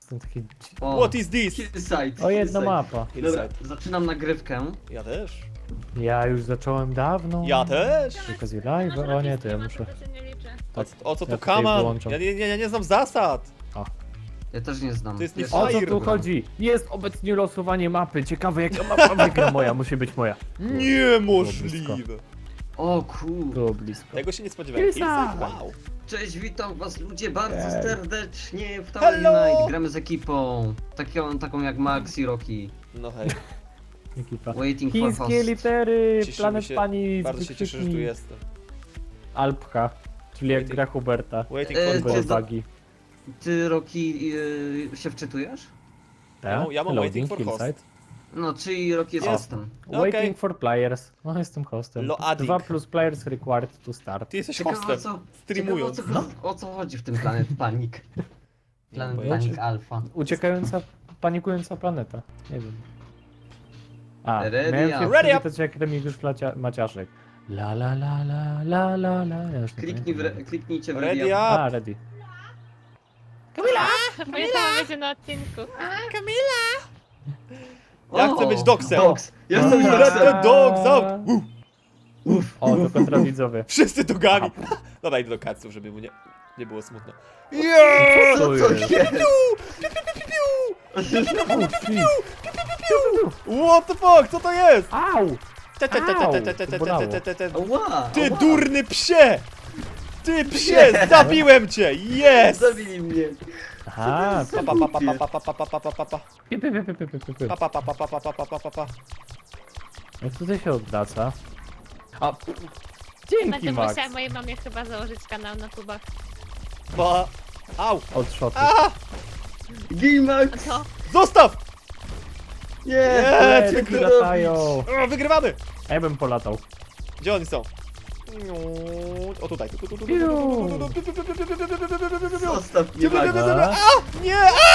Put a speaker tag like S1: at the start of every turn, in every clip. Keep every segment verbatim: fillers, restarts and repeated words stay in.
S1: Jestem taki...
S2: O,
S3: What is this?
S2: Hillside.
S1: O, jedna
S2: Hillside.
S1: mapa.
S2: Dobra,
S3: Hillside.
S2: zaczynam nagrywkę.
S3: Ja też.
S1: Ja już zacząłem dawno.
S3: Ja też.
S1: Okazji live? O nie, to ja muszę...
S4: To się nie liczy.
S3: O, o co
S1: Ja
S3: tu
S1: tutaj
S3: kaman?
S1: wyłączam.
S3: Ja nie, nie, ja nie znam zasad.
S2: Ja też nie znam.
S3: To jest nie
S2: Pierwszy
S1: O
S2: raz
S1: co tu
S3: Fire.
S2: gram.
S1: chodzi? Jest obecnie losowanie mapy. Ciekawe jaka mapa wygra moja. Musi być moja.
S3: Niemożliwe.
S2: O kur...
S1: Było blisko.
S3: Tego się nie spodziewałem.
S1: Hillside.
S3: Hillside? Wow.
S2: Cześć, witam was ludzie bardzo
S1: Ej.
S2: serdecznie w Tower
S3: Hello!
S2: Unite. Gramy z ekipą. Taką, taką jak Max i Rocky.
S3: No hej,
S1: Ekipa.
S2: Waiting for
S1: Chińskie
S2: host.
S1: litery.
S3: Cieszymy
S1: Planet
S3: się-
S1: Pani.
S3: bardzo się cieszę, że tu jestem.
S1: Alpha. Czyli jak
S3: Waiting-
S1: gra Huberta.
S3: Waiting
S2: E,
S3: for
S2: ty
S3: host.
S2: za-
S1: Bagi.
S2: Ty, Rocky, yy, się wczytujesz?
S3: Ja mam- ja mam waiting for host.
S2: No, czyli Rocky jest
S3: Jest.
S2: hostem.
S1: Waiting
S3: Okej.
S1: for players. No jestem hostem.
S3: Loading.
S1: Dwa plus players required to start.
S3: Ty jesteś
S2: Ciekawe o
S3: hostem.
S2: co,
S3: Streamując.
S2: ciekawe, o, co, o co chodzi w tym Planet Panic? Planet
S3: pojęcia.
S2: Panic Alpha.
S1: Uciekająca, panikująca planeta. Nie wiem. A,
S2: Ready
S1: miałem
S2: up.
S1: się
S3: Ready up.
S1: przywitać jak Remigiusz Placia- Maciaszek. La la la la la la la. Ja już nie
S2: Kliknij w,
S1: pamiętam.
S2: re, kliknijcie w
S3: Ready
S2: Ready Up.
S3: up.
S1: A, ready.
S4: Moja sama będzie na odcinku.
S3: Ja
S2: O,
S3: chcę być dogsem.
S2: Dogs. Ja chcę być
S3: Let
S2: dogsem.
S3: the dogs out. Uh,
S2: Uff.
S1: O, to kontrawidzowie.
S3: wszyscy dogami. Dobra, idę do kaców, żeby mu nie, nie było smutno.
S1: Co
S3: Yeah!
S2: Co to
S1: jest?
S2: jest?
S1: O, shit.
S3: What the fuck, co to jest?
S1: Au!
S3: Te, te, te, te, te, te, te, te, te, te, te.
S2: Ała,
S3: Ty
S2: ała.
S3: durny psie! Ty psie, zabiłem cię! Yes!
S2: Zabili mnie.
S1: Aha,
S3: Pa, pa, pa, pa, pa, pa, pa, pa, pa, pa, pa.
S1: pi, pi, pi, pi, pi, pi, pi.
S3: Pa, pa, pa, pa, pa, pa, pa, pa, pa, pa.
S1: Jak tutaj się odwraca? A, dzięki
S4: Będę
S1: Max.
S4: musiała mojej mamie chyba założyć kanał na tubach.
S3: Pa. Au!
S1: Od shotu.
S3: A!
S2: Gimax.
S4: Co?
S3: Zostaw!
S2: Nie.
S3: Nie,
S1: Leci,
S3: ty
S2: ty
S1: latają.
S3: O, wygrywamy!
S1: A ja bym polatał.
S3: Gdzie oni są? O tutaj.
S2: Zostaw mnie, Max.
S1: A?
S3: Nie!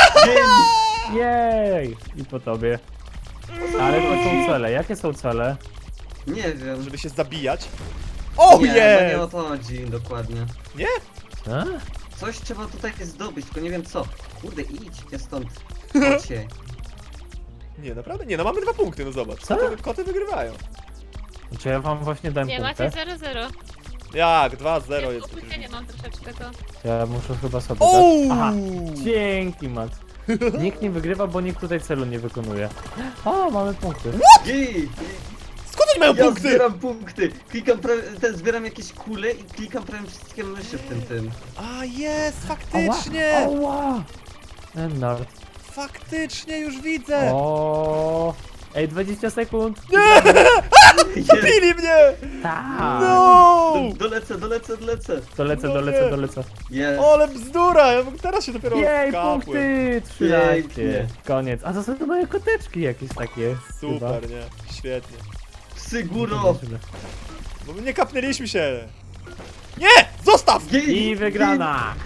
S1: Jej! I po tobie. Ale to są cele. Jakie są cele?
S2: Nie wiem.
S3: Żeby się zabijać. O
S2: nie, no nie o
S3: jest!
S2: to chodzi dokładnie.
S3: Nie?
S1: A?
S2: Coś trzeba tutaj zdobyć, tylko nie wiem co. Kurde, idźcie stąd. Chodźcie.
S3: Nie, naprawdę? Nie, no mamy dwa punkty, no zobacz.
S1: Co?
S3: Koty, koty wygrywają.
S1: Czy ja wam właśnie dałem
S4: Nie,
S1: punktę?
S4: macie zero zero.
S3: Jak? dwa zero
S4: Ja
S3: jest.
S4: opóźnienie mam troszeczkę to.
S1: Ja muszę chyba sobie
S3: O!
S1: dać. Aha. Dzięki Max. Nikt nie wygrywa, bo nikt tutaj celu nie wykonuje. O, mamy punkty.
S2: Git.
S3: Skąd oni mają
S2: Ja
S3: punkty?
S2: zbieram punkty. Klikam prawie, ten zbieram jakieś kule i klikam prawie wszystkie myszy w tym tym.
S3: A jest,
S1: Ała,
S3: faktycznie!
S1: ała. Nerd.
S3: Faktycznie już widzę!
S1: O. Ej, dwadzieścia sekund.
S3: Zabili mnie!
S1: Tak.
S3: No!
S2: Do, dolecę, dolecę, dolecę.
S1: Dolecę,
S3: No
S1: dolecę,
S3: nie.
S1: dolecę.
S2: Jest.
S3: Ale bzdura! Ja teraz się dopiero
S1: Jej,
S3: kapłem.
S1: punkty! trzynaście.
S2: Pięknie.
S1: Koniec. A to są te moje koteczki jakieś takie.
S3: Super, nie? Świetnie.
S2: Psy góro.
S1: Chyba.
S3: Bo my nie kapnęliśmy się! Nie! Zostaw!
S2: Git.
S1: I wygrana!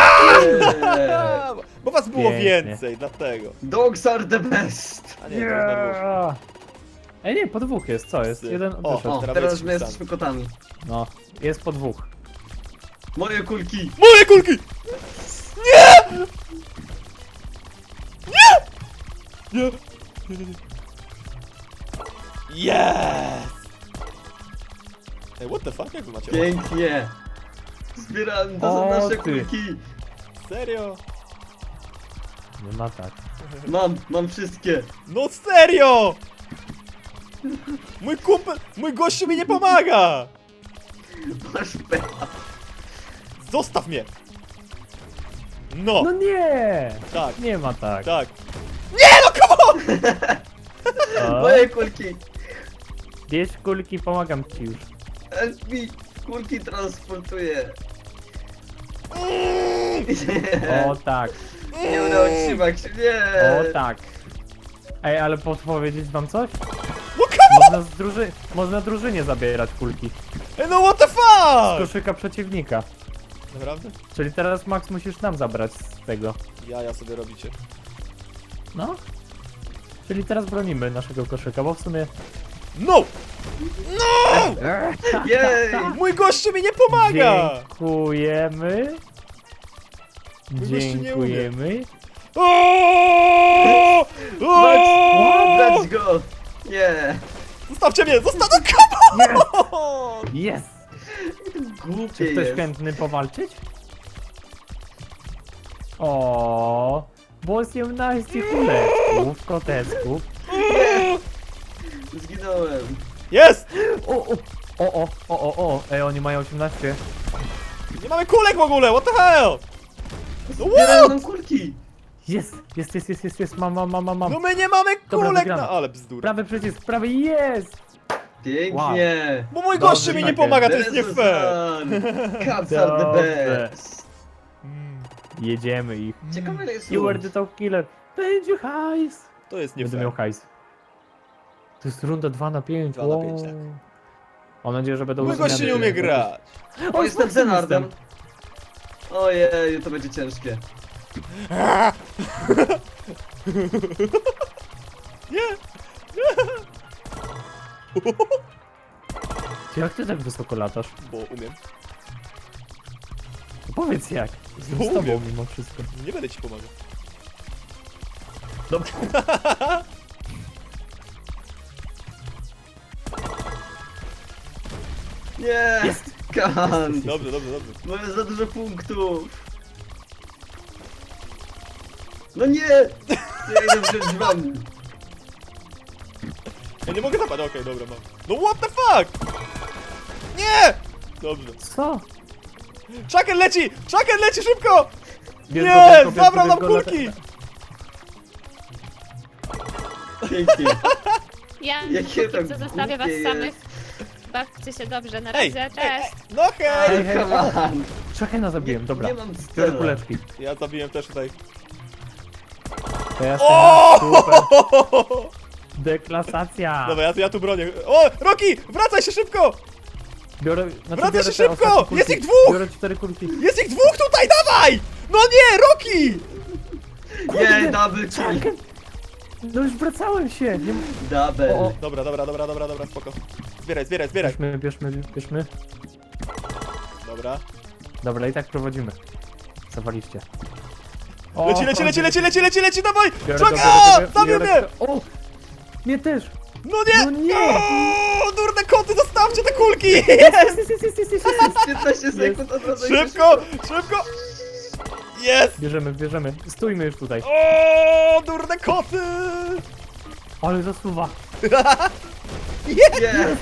S3: A, bo was było
S1: Pięknie.
S3: więcej, dlatego.
S2: Dogs are the best.
S3: A nie, to już na dwóch.
S1: Yeah. Ej, nie, po dwóch jest, co jest?
S3: Psy.
S1: Jeden
S3: O,
S1: wyszedł.
S2: O,
S3: Teraz
S2: teraz
S3: jesteśmy
S2: my jesteśmy kotami.
S1: No, jest po dwóch.
S2: Moje kulki.
S3: Moje kulki! Nie! Nie! Nie! Nie, nie, nie. Yes! Ej, what the fuck? Jak wy macie?
S2: Pięknie. Zbieram, to są
S1: O,
S2: nasze
S1: ty.
S2: kulki.
S3: Serio?
S1: Nie ma tak.
S2: Mam, mam wszystkie.
S3: No serio! Mój kumpel, mój gościu mi nie pomaga!
S2: Masz pecha.
S3: Zostaw mnie! No,
S1: No nie!
S3: tak,
S1: Nie ma tak.
S3: tak. Nie no, come on!
S1: O,
S2: Moje kulki.
S1: bierz kulki, pomagam ci już.
S2: Help me. Kulki transportuję.
S1: O tak,
S2: Nie udało ci się, Max. Nie.
S1: o tak. Ej, ale podpowiedzieć wam coś?
S3: No come on!
S1: Można, z druży... Można drużynie zabierać kulki.
S3: Ej, no what the
S1: Z
S3: fuck!
S1: koszyka przeciwnika.
S3: Naprawdę?
S1: Czyli teraz Max musisz nam zabrać z tego.
S3: Ja, ja sobie robicie.
S1: No. Czyli teraz bronimy naszego koszyka, bo w sumie...
S3: No! No!
S2: Jej.
S3: Mój gościu mi nie pomaga!
S1: Dziękujemy.
S3: gościu nie umie.
S1: Dziękujemy.
S3: O! O!
S2: Dać go! Nie!
S3: Zostawcie mnie! Zostawcie! Come on!
S1: Yes!
S2: Głupie
S1: Czy ktoś
S2: jest.
S1: chętny powalczyć? O, bo osiemnaście kuleczków, koteczków.
S2: Zginąłem.
S3: Jest!
S1: O, o, o, o, o, o, o, ej, oni mają osiemnaście.
S3: Nie mamy kulek w ogóle! What the hell? No
S2: Zbierają
S3: what?
S2: nam kulki!
S1: Jest, jest, jest, jest, jest, jest, mam, mam, mam, mam, mam.
S3: No my nie mamy
S1: Dobra,
S3: kulek
S1: wygramy.
S3: na... Ale bzdura.
S1: Prawy przycisk, prawy, jest!
S2: Pięknie!
S3: Bo mój
S1: Dobrze,
S3: gościu mi nie
S1: Michael.
S3: pomaga, to jest nie
S2: This is
S3: fair.
S2: fun. Cats are the
S1: Dobrze.
S2: best!
S3: Mm,
S1: Jedziemy ich.
S2: Ciekawe ile jest
S1: You are
S2: lód.
S1: the top killer. Będzie hajs.
S3: To jest nie
S1: Będę
S3: fair.
S1: miał hajs. To jest runda dwa na pięć.
S3: dwa na
S1: wow.
S3: pięć, tak.
S1: Mam nadzieję, że będą
S3: Mój gościu nie
S1: zmiany.
S3: umie grać.
S2: O, jestem
S1: z
S2: Zenardem.
S1: jestem.
S2: Ojej, to będzie ciężkie.
S3: Nie!
S1: Ty, jak ty tak wysoko latasz?
S3: Bo umiem.
S1: Powiedz jak. Jestem z
S3: Umiem.
S1: tobą mimo wszystko.
S3: Nie będę ci pomagał.
S1: Dobrze.
S2: Nie!
S1: Jest.
S2: Kan!
S3: Dobrze, dobrze, dobrze.
S2: Mamy za dużo punktów! No nie! Ja idę wziąć wam.
S3: Ja nie mogę zapadać, okej, dobra, mam. No what the fuck? Nie! Dobrze.
S1: Co?
S3: Chucken leci! Chucken leci szybko!
S1: Bierz
S3: Nie!
S1: go, bierz go, bierz
S3: Zabrał
S1: go,
S3: nam
S1: bierz go,
S3: kulki!
S1: lata-
S2: Pięknie.
S4: Ja
S2: Jakie
S4: póki
S2: to
S4: co zostawię was
S2: głupie
S4: samych. Bawcie się dobrze, na
S3: Ej,
S4: razie,
S3: ej,
S4: cześć!
S3: no hej!
S1: Hej, hej,
S2: Come on.
S1: Czekaj, zabiłem, dobra.
S2: Nie mam
S1: Biorę
S2: stela.
S1: kuleczki.
S3: Ja zabiłem też tutaj.
S1: To ja
S3: O!
S1: super. Deklasacja.
S3: Dobra, ja, ja tu bronię. O! Rocky! Wracaj się szybko!
S1: Biorę, znaczy
S3: Wracaj
S1: biorę
S3: się
S1: te
S3: szybko!
S1: ostatnie kulki.
S3: Jest ich dwóch!
S1: Biorę cztery kulki.
S3: Jest ich dwóch tutaj, dawaj! No nie, Rocky!
S2: Nie, double
S1: Czekaj.
S2: kill.
S1: No już wracałem się. Nie...
S2: Double.
S1: O, o.
S3: Dobra, dobra, dobra, dobra, dobra, spoko. Zbieraj, zbieraj, zbieraj.
S1: Bierzmy, bierzmy, bierzmy.
S3: Dobra.
S1: Dobra, i tak prowadzimy. Zawaliście. O,
S3: Leci, leci, leci, leci, leci, leci, leci, dawaj!
S1: Biorę go,
S3: Czekaj!
S1: biorę, biorę,
S3: Zabił
S1: biorę
S3: mnie!
S1: go. O! Mnie też!
S3: No nie!
S1: No nie!
S3: O, durne koty, zostawcie te kulki! Jest!
S1: Jest, jest, jest, jest, jest, jest, jest.
S2: piętnaście sekund od razu.
S3: Szybko, szybko! Jest!
S1: Bierzemy, bierzemy. Stójmy już tutaj.
S3: O, durne koty!
S1: Ale zasuwa.
S3: Jest!
S2: Nie,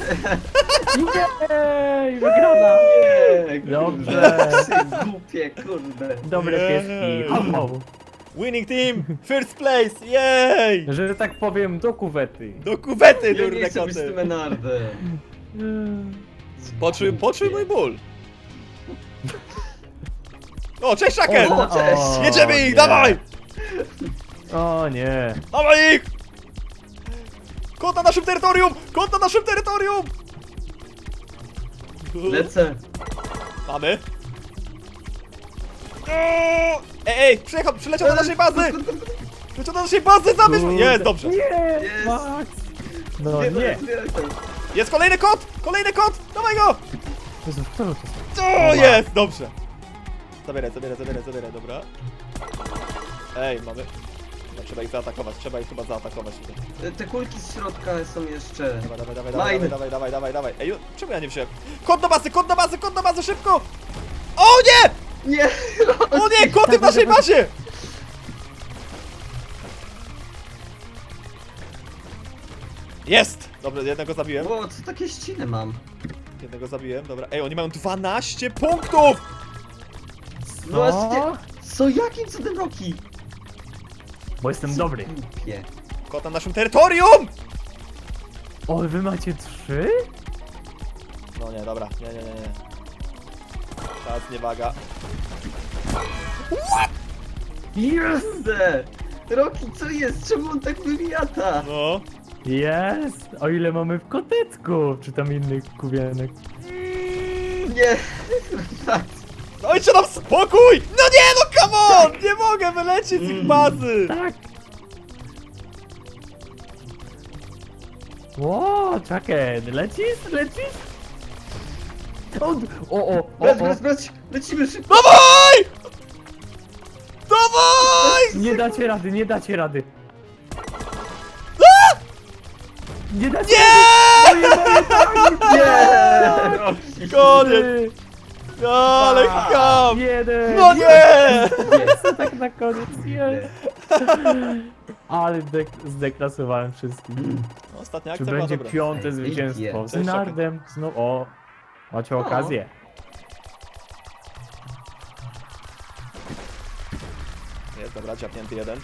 S1: Jej, wygrana.
S2: nie.
S1: Dobrze.
S2: Kurde, głupie, kurde.
S1: Dobre
S3: Jej.
S1: pieski. Hau, hau.
S3: Winning team! First place! Jej!
S1: Że tak powiem, do kuwety.
S3: Do kuwety,
S2: Ja nie
S3: durne
S2: chcę być z tym
S3: koty!
S2: Menardem.
S3: Poczuj, poczuj mój ból! O, cześć, Shaken!
S2: O, cześć.
S3: Jedziemy ich,
S1: nie.
S3: dawaj!
S1: O nie.
S3: Dawaj ich! Kot na naszym terytorium! Kot na naszym terytorium!
S2: Lecę.
S3: Mamy. Ej, ej, przyjechał, przyleciał do naszej bazy! Przyleciał do naszej bazy, zabierz mnie! Jest, dobrze.
S1: Nie,
S2: Jest.
S1: Max. No
S2: Zbieraj,
S1: nie.
S2: zbieraj to.
S3: Jest kolejny kot! Kolejny kot! Dawaj go!
S1: Jezu, kto to jest?
S3: O, jest, dobrze. Zabieraj, zabieraj, zabieraj, zabieraj, dobra. Ej, mamy... No, trzeba ich zaatakować, trzeba ich chyba zaatakować tutaj.
S2: Te kulki z środka są jeszcze.
S3: Dawaj, dawaj, dawaj, dawaj,
S2: Line.
S3: dawaj, dawaj, dawaj, dawaj. Ej, czemu ja nie wziąłem? Kot do bazy, kot do bazy, kot do bazy, szybko! O nie!
S2: Nie!
S3: O nie, koty w naszej bazie! Jest! Dobrze, jednego zabiłem.
S2: O, co takie ściny mam?
S3: Jednego zabiłem, dobra. Ej, oni mają dwanaście punktów!
S2: No właśnie. Co, jakim cudem Rocky?
S1: Bo jestem dobry.
S2: Głupie.
S3: Kot na naszym terytorium!
S1: O, wy macie trzy?
S3: No nie, dobra, nie, nie, nie, nie. Czas, niewaga.
S1: Jest!
S2: Kurde! Rocky, co jest? Czemu on tak wymiata?
S3: No.
S1: Jest! O ile mamy w kotecku? Czy tam innych kuwienek?
S2: Nie!
S3: Dajcie nam spokój! No nie, no come on! Nie mogę wylecieć z ich bazy!
S1: Tak! Ło, czekaj, lecisz? Lecisz? O, o, o, o,
S2: Brać,
S1: o.
S2: brać, brać! Lecimy szybko!
S3: Dawaj! Dawaj!
S1: Nie dacie rady, nie dacie rady. Nie dacie
S3: Nie!
S1: rady! Moje, moje, tak!
S2: Nie! Rocky.
S3: Koniec! Ale ham!
S1: Jeden!
S3: No nie!
S1: Jest tak na koniec, jest! Ale dek zdeklasowałem wszystkich.
S3: Ostatnia
S1: Czy
S3: akcja była
S1: będzie
S3: dobra.
S1: piąte
S2: Ej,
S1: zwycięstwo?
S2: pięknie.
S1: Z Nardem znów. O! Macie okazję.
S3: Jest, dobra, ciapnięty jeden.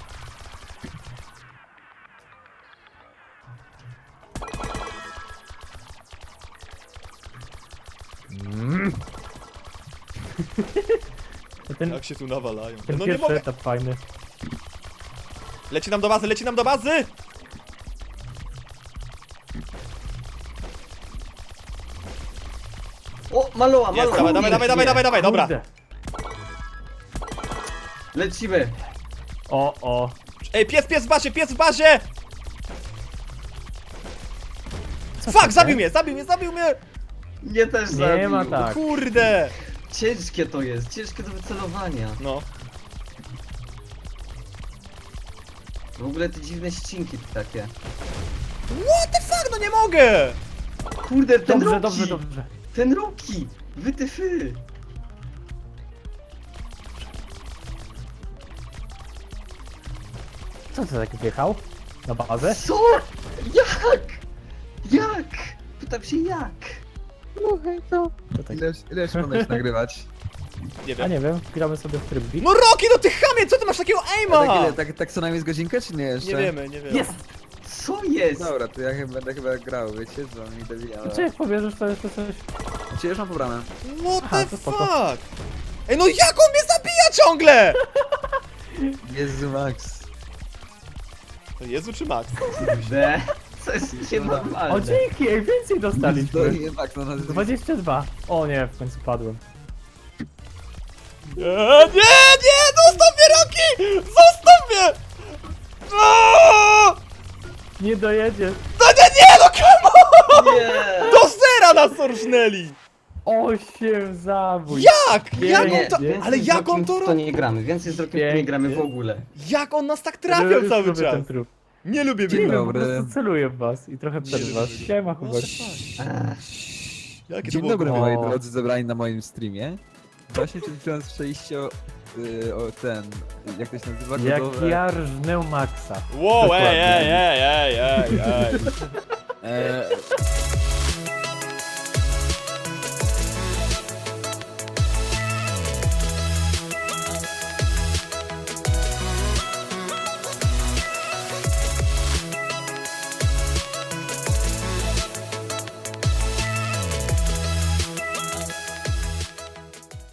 S1: Mm. ten
S3: Jak się tu nawalają.
S1: ten
S3: No nie
S1: pierwszy
S3: mogę!
S1: etap fajny.
S3: Leci nam do bazy, leci nam do bazy!
S2: O, maloła,
S3: Jest,
S2: maloła.
S3: dawaj, dawaj, dawaj, dawaj, dawaj, dawaj, dobra.
S1: Kurde.
S2: Lecimy.
S1: O, o.
S3: Ej, pies, pies w bazie, pies w bazie!
S1: Co
S3: Fuck,
S1: to
S3: zabił
S1: jest?
S3: mnie, zabił mnie, zabił mnie!
S2: Nie też
S1: Nie
S2: zabił.
S1: ma tak.
S3: Kurde!
S2: Ciężkie to jest, ciężkie do wycelowania.
S3: No.
S2: W ogóle te dziwne ścinki takie.
S3: What the fuck, no nie mogę!
S2: Kurde, ten
S1: Dobrze,
S2: Rocky!
S1: dobrze, dobrze.
S2: Ten Rocky! Wytyfy!
S1: Co to tak wjechał? Na bazę?
S2: Co? Jak? Jak? Pytam się jak?
S1: To tak.
S5: Ile, ile jeszcze będziesz nagrywać?
S3: Nie
S1: A
S3: wiem.
S1: nie wiem, gramy sobie w trybik.
S3: No Rocky, no ty chamie, co ty masz takiego
S5: Tak,
S3: aima?
S5: ile, tak, tak co najmniej z godzinkę, czy nie jeszcze?
S3: Nie wiemy, nie wiemy.
S1: Jest!
S2: Co jest?
S5: Dobra, to ja chyba, będę chyba grał, wiecie, z wami debila.
S1: Czy jak pobierzesz to jeszcze coś?
S5: Czy już mam pobrane?
S3: What
S1: Aha,
S3: the
S1: to spoko.
S3: fuck? Ej, no jak on mnie zabija ciągle?
S5: Jezu, Max.
S3: To Jezu czy Max?
S2: Kurde. Co jest
S1: O
S2: nienormalne?
S1: dzięki, ej, więcej
S5: To
S1: dostaliśmy.
S5: nie Max, no nazwisko.
S1: dwadzieścia dwa. O nie, w końcu padłem.
S3: Nie, nie, nie, zostaw mnie Rocky! Zostaw mnie! Aaaa!
S1: Nie dojedziesz.
S3: No nie, nie, no come on!
S2: Nie!
S3: Do zera nas orżnęli!
S1: Osiem zabój.
S3: Jak? Jak
S1: Nie,
S3: on to...
S1: nie.
S3: Ale
S2: z
S3: jak on
S2: Rockiem
S3: to
S2: w to
S3: robi?
S2: nie gramy, więcej z Rockiem w to nie
S1: Pięknie.
S2: gramy w ogóle.
S3: Jak on nas tak trafiał
S1: Już
S3: cały
S1: lubię
S3: czas?
S1: ten trup.
S3: Nie lubię
S5: Dzień
S1: Nie
S3: biegać.
S1: wiem, po
S5: dobry.
S1: prostu celuję w was i trochę przed
S3: Nie
S1: was.
S3: lubię.
S1: Siema,
S3: What
S1: Hubert.
S3: the fuck?
S2: Ech.
S3: Jakie to
S5: Dzień
S3: było
S5: dobry,
S1: O.
S5: moi drodzy, zebrani na moim streamie. Właśnie przed chwilą słyszeliście o, y, o ten, jak to się nazywa?
S1: Jak
S5: Godowe-
S1: ja rżnę Maxa.
S3: Wow, ej,
S1: Dokładnie.
S3: ej, ej, ej, ej, ej.
S5: E,